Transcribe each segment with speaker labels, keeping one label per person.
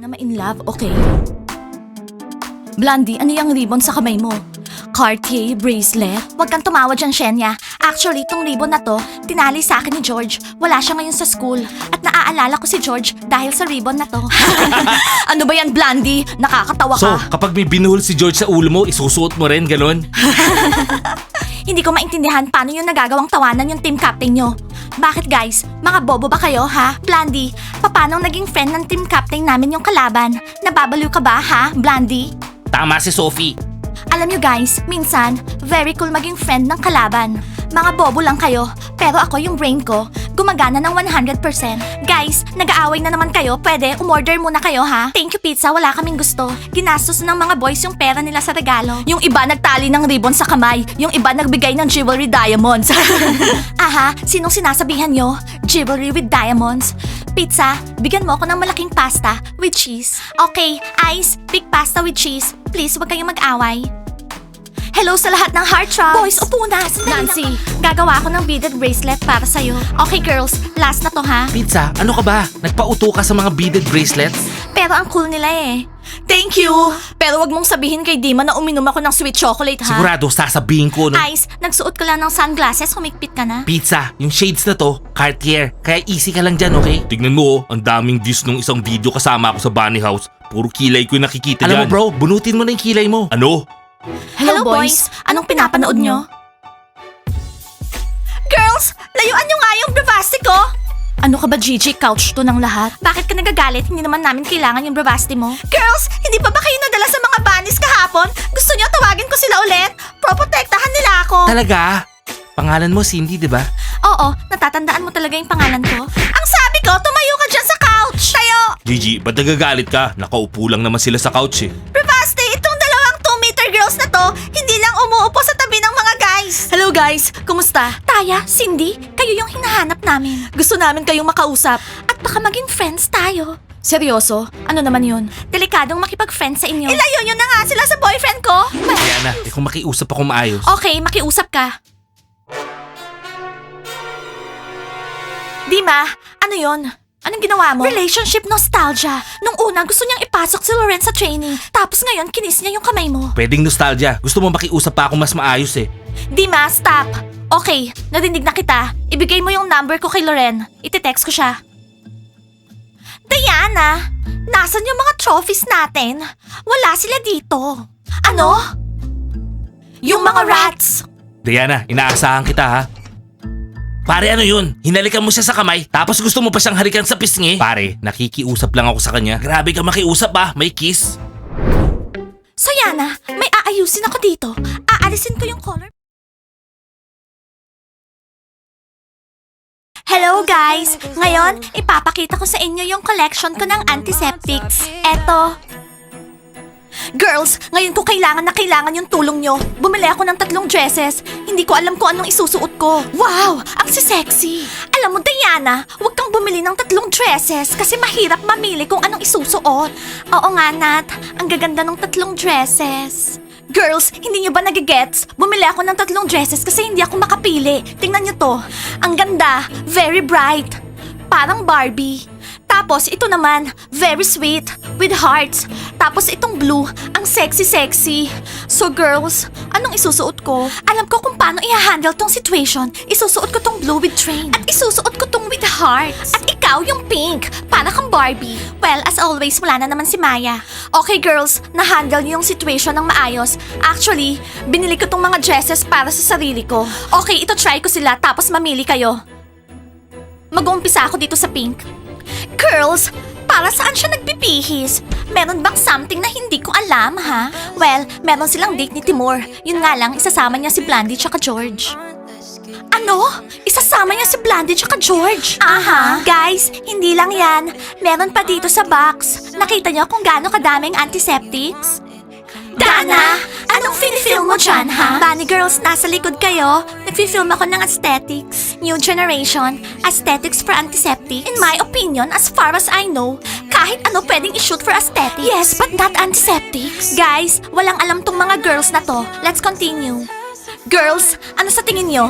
Speaker 1: na ma-in love, okay? Blondie, ano yung ribbon sa kamay mo? Cartier bracelet? Huwag kang tumawa dyan, Shenya. Actually, tong ribbon na to, tinali sa akin ni George. Wala siya ngayon sa school. At naaalala ko si George dahil sa ribbon na to. Ano ba yan, Blondie? Nakakatawa
Speaker 2: So,
Speaker 1: ka.
Speaker 2: kapag may binuhol si George sa ulo mo, isusuot mo rin, ganon?
Speaker 1: Hindi ko maintindihan paano yung nagagawang tawanan yung team captain nyo. Bakit guys? Mga bobo ba kayo, ha? Blondie, paano naging friend ng team captain namin yung kalaban? Nababaliw ka ba, ha, Blondie?
Speaker 2: Tama si Sophie.
Speaker 1: Alam nyo guys, minsan, very cool maging friend ng kalaban. Mga bobo lang kayo, pero ako yung brain ko, gumagana ng 100%. Guys, nag-aaway na naman kayo, pwede umorder muna kayo ha? Thank you pizza, wala kaming gusto. Ginastos ng mga boys yung pera nila sa regalo. Yung iba nagtali ng ribbon sa kamay, yung iba nagbigay ng jewelry diamonds. Aha, sinong sinasabihan nyo? Jewelry with diamonds? Pizza, bigyan mo ako ng malaking pasta with cheese. Okay, Ice, big pasta with cheese. Please, wag kayong mag-away. Hello sa lahat ng heartthrobs! Boys, upo na! Nancy, gagawa ako ng beaded bracelet para sa'yo. Okay girls, last na to ha?
Speaker 2: Pizza, ano ka ba? Nagpauto ka sa mga beaded bracelets?
Speaker 1: Pero ang cool nila eh. Thank you! Pero wag mong sabihin kay Dima na uminom ako ng sweet chocolate ha?
Speaker 2: Sigurado, sasabihin ko, no?
Speaker 1: Ice, nagsuot ka lang ng sunglasses, humigpit ka na.
Speaker 2: Pizza, yung shades na to, Cartier. Kaya easy ka lang dyan, okay? Tignan mo, ang daming views nung isang video kasama ako sa bunny house. Puro kilay ko yung nakikita Alam
Speaker 1: dyan.
Speaker 2: mo bro, bunutin mo na yung kilay mo. Ano?
Speaker 1: Hello boys, anong pinapanood nyo? Girls, layuan nyo nga yung bravasti ko! Ano ka ba, Gigi? Couch to ng lahat? Bakit ka nagagalit? Hindi naman namin kailangan yung bravasti mo. Girls, hindi pa ba kayo nadala sa mga bunnies kahapon? Gusto nyo tawagin ko sila ulit? Proprotektahan nila ako.
Speaker 2: Talaga? Pangalan mo Cindy, di ba?
Speaker 1: Oo, natatandaan mo talaga yung pangalan ko. Ang sabi ko, tumayo ka dyan sa couch! Tayo!
Speaker 2: Gigi, ba't nagagalit ka? Nakaupo lang naman sila sa couch eh.
Speaker 1: Bravasti, itong dalawang 2-meter girls na to, hindi lang umuupo sa tabi ng mga guys. Hello guys, kumusta? Taya, Cindy, kayo yung hinahanap namin. Gusto namin kayong makausap. At baka maging friends tayo. Seryoso? Ano naman yun? Delikadong makipag-friend sa inyo. Ilayo nyo na nga sila sa boyfriend ko.
Speaker 2: Kaya na, kung makiusap ako maayos.
Speaker 1: Okay, makiusap ka. Dima, ano yon? Anong ginawa mo? Relationship nostalgia. Nung una, gusto niyang ipasok si Loren sa training. Tapos ngayon, kinis niya yung kamay mo.
Speaker 2: Pwedeng nostalgia. Gusto mo makiusap pa ako mas maayos eh.
Speaker 1: Dima, stop. Okay, narinig na kita. Ibigay mo yung number ko kay Loren. Iti-text ko siya. Diana, nasan yung mga trophies natin? Wala sila dito. Ano? Yung mga rats.
Speaker 2: Diana, inaasahan kita ha. Pare, ano yun? Hinalikan mo siya sa kamay, tapos gusto mo pa siyang halikan sa pisngi? Pare, nakikiusap lang ako sa kanya. Grabe ka makiusap ah, may kiss.
Speaker 1: So Yana, may aayusin ako dito. Aalisin ko yung color. Hello guys! Ngayon, ipapakita ko sa inyo yung collection ko ng antiseptics. Eto. Girls, ngayon ko kailangan na kailangan yung tulong nyo. Bumili ako ng 3 dresses. Hindi ko alam kung anong isusuot ko. Wow! Ang sexy! Alam mo, Diana, huwag kang bumili ng 3 dresses kasi mahirap mamili kung anong isusuot. Oo nga, Nat. Ang gaganda ng 3 dresses. Girls, hindi nyo ba nagigets? Bumili ako ng 3 dresses kasi hindi ako makapili. Tingnan nyo to. Ang ganda. Very bright. Parang Barbie. Tapos ito naman, very sweet, with hearts. Tapos itong blue, ang sexy-sexy. So girls, anong isusuot ko? Alam ko kung paano i-handle tong situation. Isusuot ko tong blue with train. At isusuot ko tong with hearts. At ikaw yung pink, para kang Barbie. Well, as always, wala na naman si Maya. Okay girls, na-handle niyo yung situation ng maayos. Actually, binili ko tong mga dresses para sa sarili ko. Okay, ito try ko sila tapos mamili kayo. Mag-uumpisa ako dito sa pink. Girls, para saan siya nagpipihis? Meron bang something na hindi ko alam, ha? Well, meron silang date ni Timur. Yun nga lang, isasama niya si Blandy tsaka George. Ano? Isasama niya si Blandy tsaka George? Aha. Guys, hindi lang yan. Meron pa dito sa box. Nakita niyo kung gaano kadaming antiseptics? Dana, anong film mo dyan, ha? Bunny girls, nasa likod kayo. Nagfi-film ako ng aesthetics. New generation, aesthetics for antiseptic. In my opinion, as far as I know, kahit ano pwedeng i-shoot for aesthetics. Yes, but not antiseptics. Guys, walang alam tong mga girls na to. Let's continue. Girls, ano sa tingin nyo?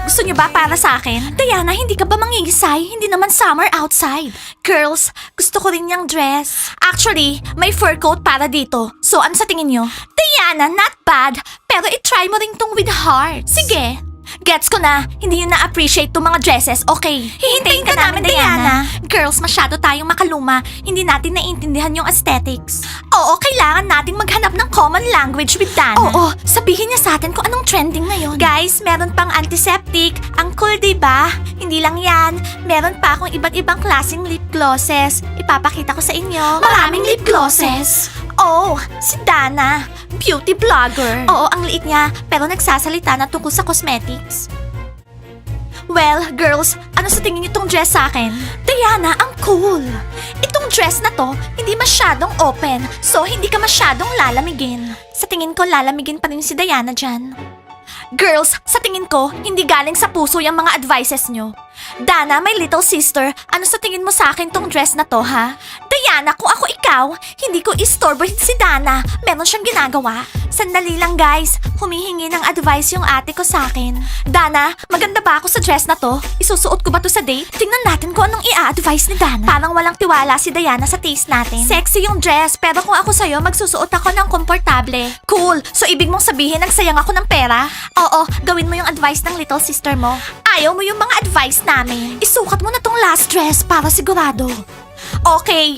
Speaker 1: Gusto niyo ba para sa akin? Diana, hindi ka ba mangingisay? Hindi naman summer outside. Girls, gusto ko rin yung dress. Actually, may fur coat para dito. So, ano sa tingin niyo? Diana, not bad. Pero i-try mo rin tong with hearts. Sige. Gets ko na, hindi nyo na-appreciate tong mga dresses, okay? Hihintayin ka namin, Diana. Girls, masyado tayong makaluma. Hindi natin naiintindihan yung aesthetics. Oo, kailangan nating maghanap ng common language with Dana. Oo, sabihin niya sa atin kung anong trending ngayon. Guys, meron pang antiseptic. Ang cool, diba? Hindi lang yan. Meron pa akong iba't ibang klaseng lip glosses. Ipapakita ko sa inyo. Maraming lip glosses. Oh, si Dana. Beauty vlogger. Oo, ang liit niya, pero nagsasalita na tungkol sa cosmetics. Well, girls, ano sa tingin niyo tong dress sa akin? Diana, ang cool. Itong dress na to, hindi masyadong open, so hindi ka masyadong lalamigin. Sa tingin ko, lalamigin pa rin si Diana dyan. Girls, sa tingin ko, hindi galing sa puso yung mga advices nyo. Dana, my little sister, ano sa tingin mo sa akin tong dress na to, ha? Diana, kung ako ikaw, hindi ko istorbohin si Dana. Meron siyang ginagawa. Sandali lang, guys. Humihingi ng advice yung ate ko sa akin. Dana, maganda ba ako sa dress na to? Isusuot ko ba to sa date? Tingnan natin kung anong i-advise ni Dana. Parang walang tiwala si Diana sa taste natin. Sexy yung dress, pero kung ako sa'yo, magsusuot ako ng komportable. Cool! So, ibig mong sabihin, nagsayang ako ng pera? Oo, gawin mo yung advice ng little sister mo. Ayaw mo yung mga advice namin. Isukat mo na tong last dress para sigurado. Okay.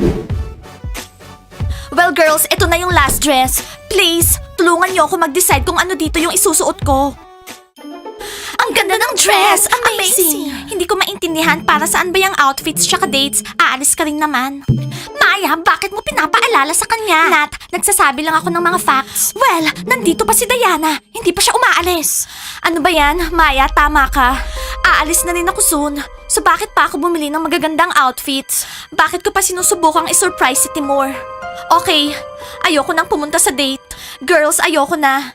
Speaker 1: Well, girls, ito na yung last dress. Please, tulungan niyo ako mag-decide kung ano dito yung isusuot ko. Ang ganda ng dress! Amazing! Hindi ko maintindihan para saan ba yung outfits tsaka dates. Aalis ka rin naman. Maya, bakit mo pinapaalala sa kanya? Nat, nagsasabi lang ako ng mga facts. Well, nandito pa si Diana. Hindi pa siya umaalis. Ano ba yan? Maya, tama ka. Aalis na rin ako soon. So bakit pa ako bumili ng magagandang outfits? Bakit ko pa sinusubukang i-surprise si Timur? Okay, ayoko nang pumunta sa date. Girls, ayoko na.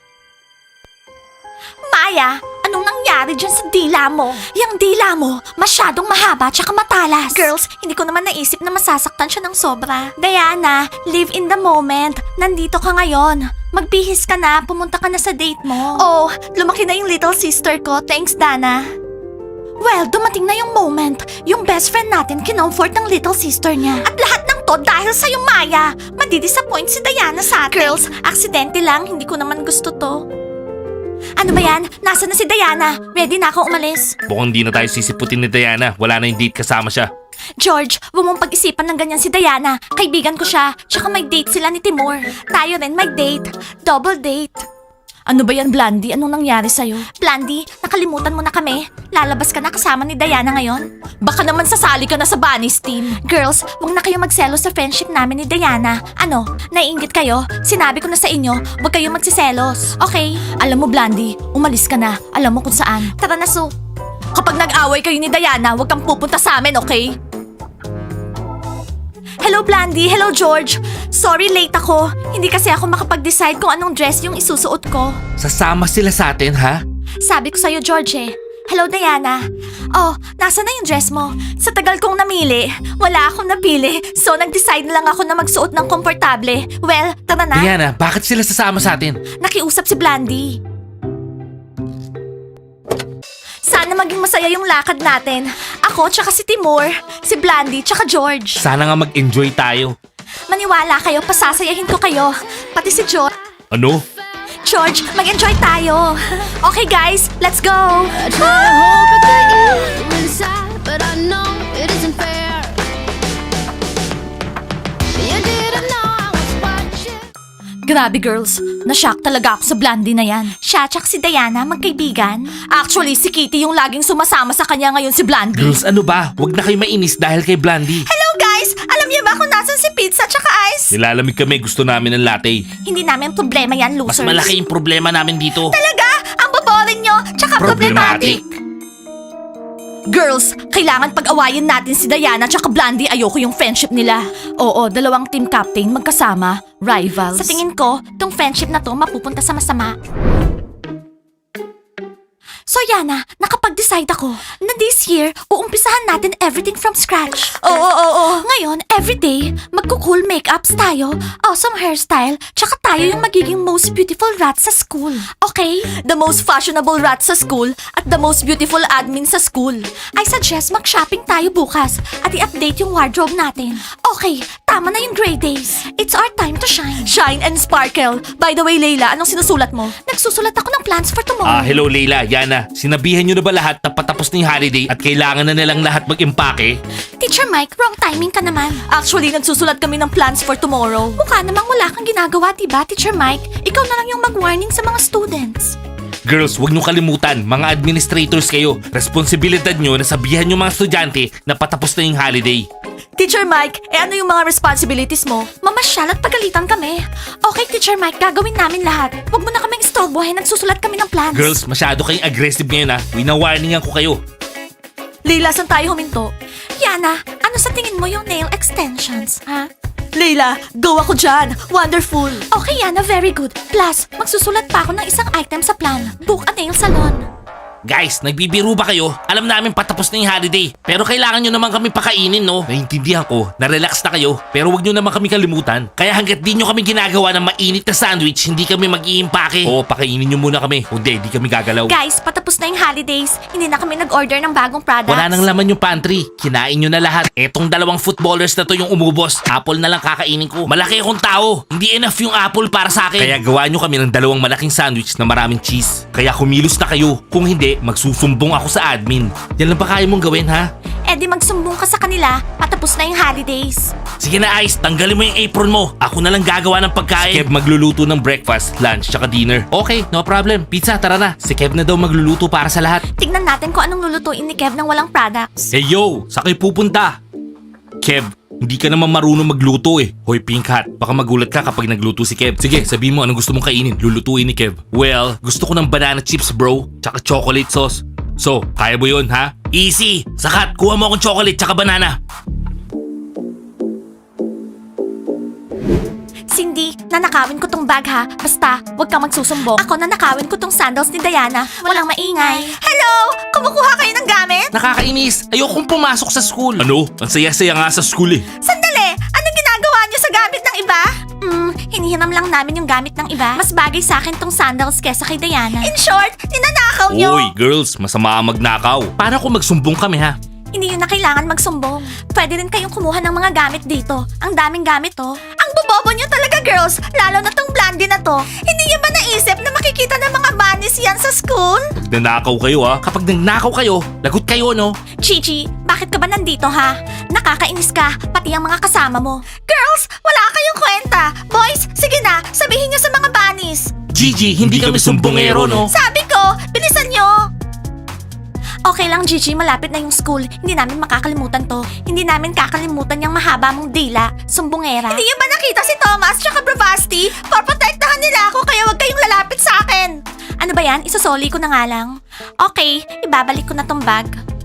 Speaker 1: Maya, anong nangyari dyan sa dila mo? Yang dila mo, masyadong mahaba tsaka matalas. Girls, hindi ko naman naisip na masasaktan siya ng sobra. Diana, live in the moment. Nandito ka ngayon. Magbihis ka na, pumunta ka na sa date mo. Oh, lumaki na yung little sister ko. Thanks, Dana. Well, dumating na yung moment. Yung best friend natin kinomfort ng little sister niya. At lahat ng to dahil sa'yo, Maya. Madidisappoint si Diana sa atin. Girls, aksidente lang. Hindi ko naman gusto to. Ano ba yan? Nasaan na si Diana? Ready na ako umalis.
Speaker 2: Mukhang di na tayo sisiputin ni Diana. Wala na yung date kasama siya.
Speaker 1: George, huwag mong pag-isipan ng ganyan si Diana. Kaibigan ko siya. Tsaka may date sila ni Timur. Tayo rin may date. Double date. Ano ba yan, Blandy? Anong nangyari sa'yo? Blandy, nakalimutan mo na kami. Lalabas ka na kasama ni Diana ngayon. Baka naman sasali ka na sa Bunnies team. Girls, huwag na kayo magselos sa friendship namin ni Diana. Ano, naiinggit kayo? Sinabi ko na sa inyo, huwag kayo magsiselos. Okay? Alam mo, Blandy, umalis ka na. Alam mo kung saan. Tara na, Sue. Kapag nag-away kayo ni Diana, huwag kang pupunta sa amin, okay? Hello, Blandy. Hello, George. Sorry, late ako. Hindi kasi ako makapag-decide kung anong dress yung isusuot ko.
Speaker 2: Sasama sila sa atin, ha?
Speaker 1: Sabi ko sa'yo, George eh. Hello, Diana. Oh, nasa na yung dress mo? Sa tagal kong namili, wala akong napili. So, nag-decide na lang ako na magsuot ng komportable. Well, tara na.
Speaker 2: Diana, bakit sila sasama sa atin?
Speaker 1: Nakiusap si Blandy. Sana maging masaya yung lakad natin. Ako, tsaka si Timur, si Blandy, tsaka George.
Speaker 2: Sana nga mag-enjoy tayo.
Speaker 1: Maniwala kayo, pasasayahin ko kayo. Pati si George.
Speaker 2: Ano?
Speaker 1: George, mag-enjoy tayo. Okay guys, let's go.
Speaker 3: I try to hope that you inside, but I know it isn't fair. You didn't know I was watching.
Speaker 1: Grabe girls, na-shock talaga ako sa Blandy na yan. Siya tsaka si Diana, magkaibigan. Actually, si Kitty yung laging sumasama sa kanya ngayon si Blandy.
Speaker 2: Girls, ano ba? Huwag na kayo mainis dahil kay Blandy.
Speaker 1: Hello guys! Alam niyo ba kung nasan si pizza tsaka ice?
Speaker 2: Nilalamig kami, gusto namin ng latte.
Speaker 1: Hindi namin problema yan,
Speaker 2: Mas
Speaker 1: losers.
Speaker 2: malaki yung problema namin dito.
Speaker 1: Talaga? Ang boboring nyo, tsaka problematic. Girls, kailangan pag-awayin natin si Diana tsaka Blandy. Ayoko yung friendship nila. Oo, dalawang team captain magkasama, rivals. Sa tingin ko, tong friendship na to mapupunta sa masama. So Yana, nakapag-decide ako na this year, uumpisahan natin everything from scratch. Oo. Ngayon, everyday, magko-cool makeups tayo, awesome hairstyle, tsaka tayo yung magiging most beautiful rat sa school. Okay? The most fashionable rat sa school at the most beautiful admin sa school. I suggest mag-shopping tayo bukas at i-update yung wardrobe natin. Okay, tama na yung gray days. It's our time to shine. Shine and sparkle. By the way, Layla, anong sinusulat mo? Nagsusulat ako ng plans for tomorrow.
Speaker 2: Hello Leila, Yana. Sinabihan nyo na ba lahat na patapos na yung holiday at kailangan na nilang lahat mag-impake?
Speaker 1: Teacher Mike, wrong timing ka naman. Actually, nagsusulat kami ng plans for tomorrow. Mukha namang wala kang ginagawa, diba, Teacher Mike? Ikaw na lang yung mag-warning sa mga students.
Speaker 2: Girls, huwag nyo kalimutan, mga administrators kayo. Responsibilidad nyo na sabihan yung mga estudyante na patapos na yung holiday.
Speaker 1: Teacher Mike, ano yung mga responsibilities mo? Mamasyal at pagalitan kami. Okay, Teacher Mike, gagawin namin lahat. Huwag mo na kaming istorbohin, nagsusulat kami ng plans.
Speaker 2: Girls, masyado kayong aggressive ngayon ha. Wina-warningan ko kayo.
Speaker 1: Leila, saan tayo huminto? Yana, ano sa tingin mo yung nail extensions, ha? Leila, go ako dyan. Wonderful. Okay, Yana, very good. Plus, magsusulat pa ako ng isang item sa plan. Book a nail salon.
Speaker 2: Guys, nagbibiro ba kayo? Alam namin patapos na yung holiday. Pero kailangan nyo naman kami pakainin, no? Naintindihan ko, na-relax na kayo. Pero wag nyo naman kami kalimutan. Kaya hanggat di nyo kami ginagawa ng mainit na sandwich, hindi kami mag-iimpake. Oo, pakainin nyo muna kami. Kundi, di kami gagalaw.
Speaker 1: Guys, patapos na yung holidays. Hindi na kami nag-order ng bagong products.
Speaker 2: Wala nang laman yung pantry. Kinain nyo na lahat. Etong dalawang footballers na to yung umubos. Apple na lang kakainin ko. Malaki akong tao. Hindi enough yung apple para sa akin. Kaya gawa nyo kami ng dalawang malaking sandwich na maraming cheese. Kaya kumilos na kayo. Kung hindi, magsusumbong ako sa admin. Yan lang ba kaya mong gawin, ha?
Speaker 1: Eh di magsumbong ka sa kanila. Patapos na yung holidays.
Speaker 2: Sige na, Ice. Tanggalin mo yung apron mo. Ako na lang gagawa ng pagkain. Si Kev magluluto ng breakfast, lunch, tsaka dinner. Okay, no problem. Pizza, tara na. Si Kev na daw magluluto para sa lahat.
Speaker 1: Tignan natin kung anong lulutuin ni Kev ng walang products.
Speaker 2: Hey yo, sa kayo pupunta? Kev, hindi ka naman marunong magluto eh. Hoy Pink Hat, baka magulat ka kapag nagluto si Kev. Sige, sabihin mo anong gusto mong kainin. Lulutuin ni Kev. Well, gusto ko ng banana chips bro, tsaka chocolate sauce. So, kaya mo yun ha? Easy! Sakat, kuha mo akong chocolate tsaka banana.
Speaker 1: Cindy, nanakawin ko tong bag ha. Basta, huwag kang magsusumbong. Ako nanakawin ko tong sandals ni Diana. Walang maingay. Hello! Kumukuha kayo ng gamit?
Speaker 2: Nakakainis, ayokong pumasok sa school. Ano? Ang saya-saya nga sa school eh.
Speaker 1: Sandali! Anong ginagawa niyo sa gamit ng iba? Hinihiram lang namin yung gamit ng iba. Mas bagay sa akin tong sandals kesa kay Diana. In short, ninanakaw niyo.
Speaker 2: Oy, girls, masama ang magnakaw. Paano kung magsumbong kami ha?
Speaker 1: Hindi yun na kailangan magsumbong. Pwede rin kayong kumuha ng mga gamit dito. Ang daming gamit oh. Ang bobobo niyo talaga girls, lalo na tong blondie na to. Hindi niyo ba naisip na makikita ng mga bunnies yan sa school?
Speaker 2: Nanakaw kayo ha? Kapag nagnakaw kayo, lagot kayo no?
Speaker 1: Gigi, bakit ka ba nandito ha? Nakakainis ka, pati ang mga kasama mo. Girls, wala kayong kwenta. Boys, sige na, sabihin niyo sa mga bunnies.
Speaker 2: Gigi, hindi kami sumbongero no?
Speaker 1: Sabi ko, bilisan niyo. Okay lang, Gigi. Malapit na yung school. Hindi namin makakalimutan to. Hindi namin kakalimutan yung mahaba mong dila. Sumbongera. Hindi niyo ba nakita si Thomas tsaka Bravasti? Poprotektahan nila ako kaya wag kayong lalapit sa akin. Ano ba yan? Isosoli ko na nga lang. Okay, ibabalik ko na tong bag.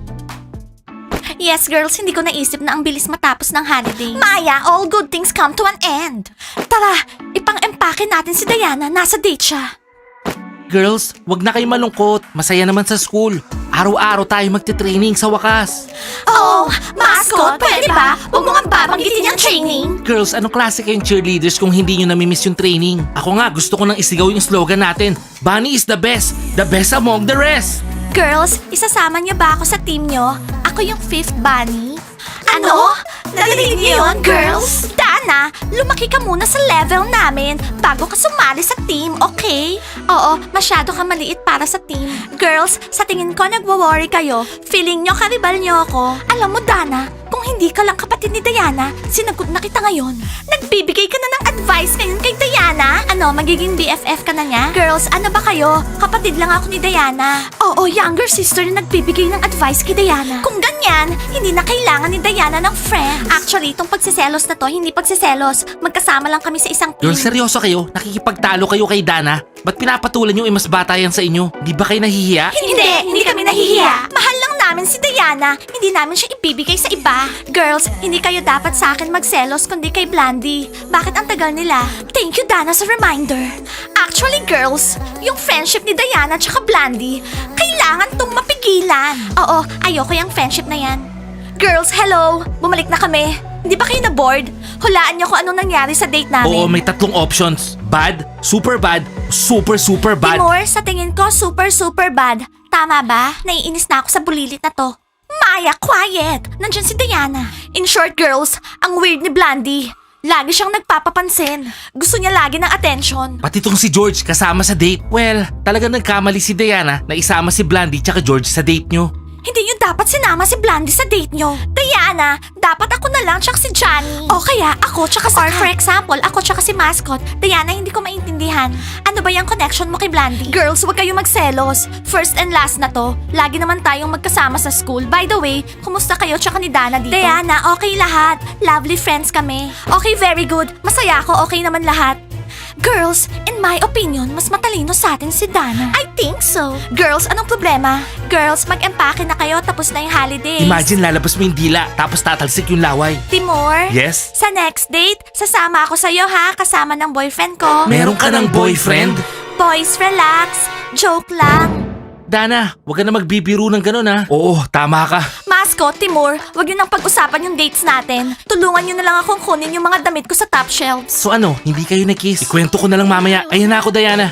Speaker 1: Yes, girls, hindi ko naisip na ang bilis matapos ng holiday. Maya, all good things come to an end. Tara, ipang-empake natin si Diana. Nasa date siya.
Speaker 2: Girls, wag na kayo malungkot. Masaya naman sa school. Araw-araw tayo magte-training sa wakas.
Speaker 1: Oh, mascot, pwede ba? Huwag mo nga babanggitin yung training.
Speaker 2: Girls, anong klase kayong cheerleaders kung hindi nyo namimiss yung training? Ako nga, gusto ko nang isigaw yung slogan natin. Bunny is the best among the rest.
Speaker 1: Girls, isasama niyo ba ako sa team niyo? Ako yung fifth bunny. Ano? Narinig niyo yun, girls? Dana, lumaki ka muna sa level namin bago ka sumali sa team, okay? Oo, masyado ka maliit para sa team. Girls, sa tingin ko nagwo-worry kayo. Feeling nyo karibal nyo ako. Alam mo, Dana, kung hindi ka lang kapatid ni Diana, sinagot na kita ngayon. Nagbibigay ka na ng advice ngayon kay Diana? Ano, magiging BFF ka na niya? Girls, ano ba kayo? Kapatid lang ako ni Diana. Oo, younger sister na nagbibigay ng advice kay Diana. Kung ganyan, hindi na kailangan ni Diana ng friends. Actually, itong pagsiselos na to, hindi pagsiselos. Magkasama lang kami sa isang team.
Speaker 2: Girls, seryoso kayo? Nakikipagtalo kayo kay Dana? Ba't pinapatulan nyo mas bata yan sa inyo? Di ba kayo nahihiya?
Speaker 1: Hindi kami nahihiya. Mahal lang namin si Diana. Hindi namin siya ibibigay sa iba. Girls, hindi kayo dapat sa akin magselos kundi kay Blandy. Bakit ang tagal nila? Thank you, Dana, sa reminder. Actually, girls, yung friendship ni Diana at Blandy, kailangan Kailangan tong mapigilan. Oo, ayoko yung friendship na yan. Girls, hello! Bumalik na kami. Hindi ba kayo na-bored? Hulaan niyo kung anong nangyari sa date namin.
Speaker 2: Oo, may 3 options. Bad, super bad, super bad.
Speaker 1: Timur, sa tingin ko super bad. Tama ba? Naiinis na ako sa bulilit na to. Maya, quiet! Nandyan si Diana. In short, girls, ang weird ni Blandy. Lagi siyang nagpapapansin. Gusto niya lagi ng attention.
Speaker 2: Pati tong si George kasama sa date. Well, talagang nagkamali si Diana na isama si Blandy tsaka George sa date nyo.
Speaker 1: Hindi niyo dapat sinama si Blandy sa date niyo. Diana, dapat ako na lang tsaka si Johnny. O kaya ako tsaka si... Or for example, ako tsaka si Mascot. Diana, hindi ko maintindihan. Ano ba yung connection mo kay Blandy? Girls, huwag kayong magselos. First and last na to. Lagi naman tayong magkasama sa school. By the way, kumusta kayo tsaka ni Dana dito? Diana, okay lahat. Lovely friends kami. Okay, very good. Masaya ako, okay naman lahat. Girls, in my opinion, mas matalino sa atin si Dana. I think so. Girls, anong problema? Girls, mag-empake na kayo tapos na yung holidays.
Speaker 2: Imagine lalabas mo yung dila tapos tatalsik yung laway.
Speaker 1: Timur?
Speaker 2: Yes?
Speaker 1: Sa next date, sasama ako sa'yo ha, kasama ng boyfriend ko.
Speaker 2: Meron ka ng boyfriend?
Speaker 1: Boys, relax. Joke lang.
Speaker 2: Dana, wag ka na magbibiro ng ganun ha. Oo, tama ka.
Speaker 1: Mascot, Timur, wag niyo nang pag-usapan yung dates natin. Tulungan niyo na lang akong kunin yung mga damit ko sa top shelves.
Speaker 2: So ano, hindi kayo na-kiss? Ikwento ko na lang mamaya. Ayan na ako, Diana.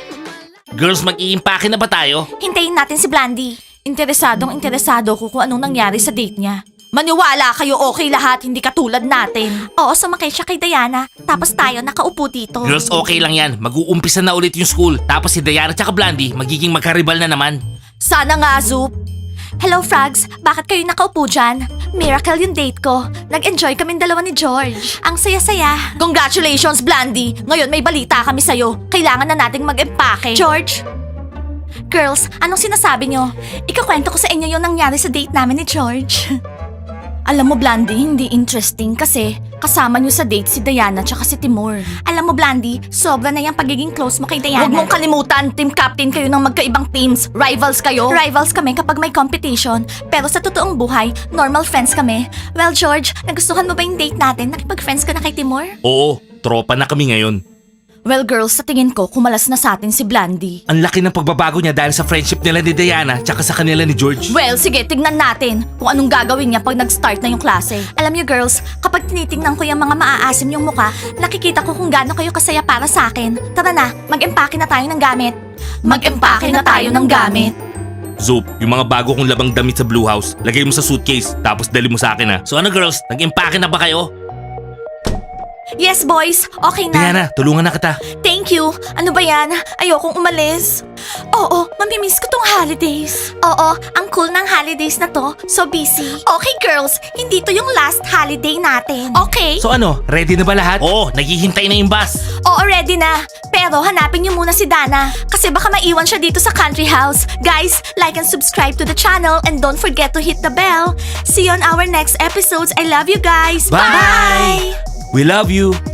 Speaker 2: Girls, mag-iimpake na ba tayo?
Speaker 1: Hintayin natin si Blandy. Interesado ko kung anong nangyari sa date niya. Maniwala kayo okay lahat, hindi katulad natin. Oo, sumakay siya kay Diana. Tapos tayo nakaupo dito.
Speaker 2: Girls, okay lang yan. Mag-uumpisa na ulit yung school. Tapos si Diana tsaka Blandy, magiging magkaribal na naman.
Speaker 1: Sana nga, Zoop. Hello, Frogs. Bakit kayo nakaupo dyan? Miracle yung date ko. Nag-enjoy kaming dalawa ni George. Ang saya-saya. Congratulations, Blandy. Ngayon may balita kami sa'yo. Kailangan na nating mag-empake. George? Girls, anong sinasabi nyo? Ikakwento ko sa inyo yung nangyari sa date namin ni George. Alam mo, Blandy, hindi interesting kasi kasama nyo sa date si Diana tsaka si Timur. Alam mo, Blandy, sobra na yung pagiging close mo kay Diana. Huwag mong kalimutan, team captain kayo ng magkaibang teams. Rivals kayo. Rivals kami kapag may competition. Pero sa totoong buhay, normal friends kami. Well, George, nagustuhan mo ba yung date natin? Nakipag-friends ka na kay Timur?
Speaker 2: Oo, tropa na kami ngayon.
Speaker 1: Well, girls, sa tingin ko, kumalas na sa atin si Blandy.
Speaker 2: Ang laki ng pagbabago niya dahil sa friendship nila ni Diana tsaka sa kanila ni George.
Speaker 1: Well, sige, tignan natin kung anong gagawin niya pag nag-start na yung klase. Alam niyo, girls, kapag tinitingnan ko yung mga maaasim yung mukha, nakikita ko kung gaano kayo kasaya para sa akin. Tara na, mag-empake na tayo ng gamit. Mag-empake na tayo ng gamit.
Speaker 2: Zoop, yung mga bago kong labang damit sa Blue House, lagay mo sa suitcase, tapos dali mo sa akin ha. So ano girls, nag-empake na ba kayo?
Speaker 1: Yes, boys. Okay na.
Speaker 2: Diana, tulungan na kita.
Speaker 1: Thank you. Ano ba yan? Ayokong umalis. Oo, mamimiss ko tong holidays. Oo, ang cool ng holidays na to. So busy. Okay, girls. Hindi to yung last holiday natin. Okay?
Speaker 2: So ano, ready na ba lahat? Oo, naghihintay na yung bus.
Speaker 1: Oo, ready na. Pero hanapin niyo muna si Dana. Kasi baka maiwan siya dito sa country house. Guys, like and subscribe to the channel and don't forget to hit the bell. See you on our next episodes. I love you guys.
Speaker 2: Bye! We love you.